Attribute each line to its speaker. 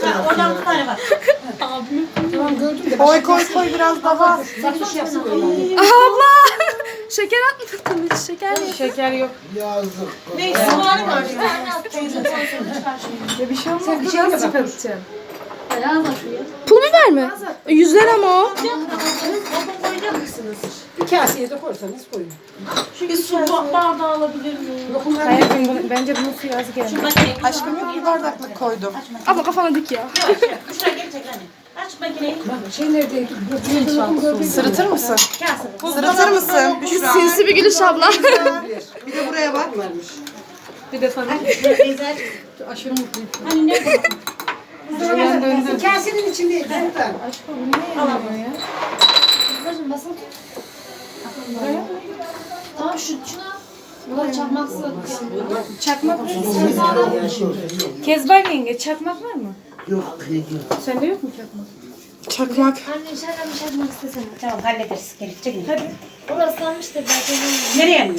Speaker 1: Oradan bir tane var.
Speaker 2: Tamam gördüm de.
Speaker 3: Koy biraz daha.
Speaker 2: Sarhoş yapsın böyle.
Speaker 4: Abla! Şeker atmadın hiç şeker mi?
Speaker 3: Şeker yok.
Speaker 5: Yazık.
Speaker 1: Neyse soğanı var.
Speaker 3: Ya bir şey olmaz.
Speaker 2: Sen bir şey mi bakacaksın?
Speaker 4: Pul biber mi? 100 lira mı o?
Speaker 1: Koyacak mısınız?
Speaker 2: Bir kaseye de koysanız koyun.
Speaker 1: Bir su bardağı alabilir miyim?
Speaker 2: Lokumlar
Speaker 3: Hayatım bence bunun suyu az geldi.
Speaker 1: Makineyi
Speaker 3: Aşkım yok bir bardaklık koydum.
Speaker 4: Abla kafana dik ya.
Speaker 1: Şuraya gel çek anne. Aç makineyi.
Speaker 2: şey nerede?
Speaker 3: Sırıtır mısın?
Speaker 1: Kase.
Speaker 3: Sırıtır mısın? Büşra.
Speaker 4: Sinsi bir gülüş abla.
Speaker 3: Bir de buraya bak.
Speaker 2: Bir de sana.
Speaker 1: Güzel.
Speaker 2: Aşırı mutluyum.
Speaker 1: Hani ne bu?
Speaker 2: Kasenin içinde. Buradan.
Speaker 6: Kızım basın tut. Tamam şuna. Bunlar çakmak
Speaker 3: Çakmak var mı? Kezban yenge çakmak var mı?
Speaker 5: Yok.
Speaker 3: Sende yok mu çakmak?
Speaker 4: Çakmak.
Speaker 6: Anne içeriden bir çakmak istesene.
Speaker 1: Tamam hallederiz. Gelip çekin. Hadi.
Speaker 6: Orası almıştır belki.
Speaker 1: Nereye mi?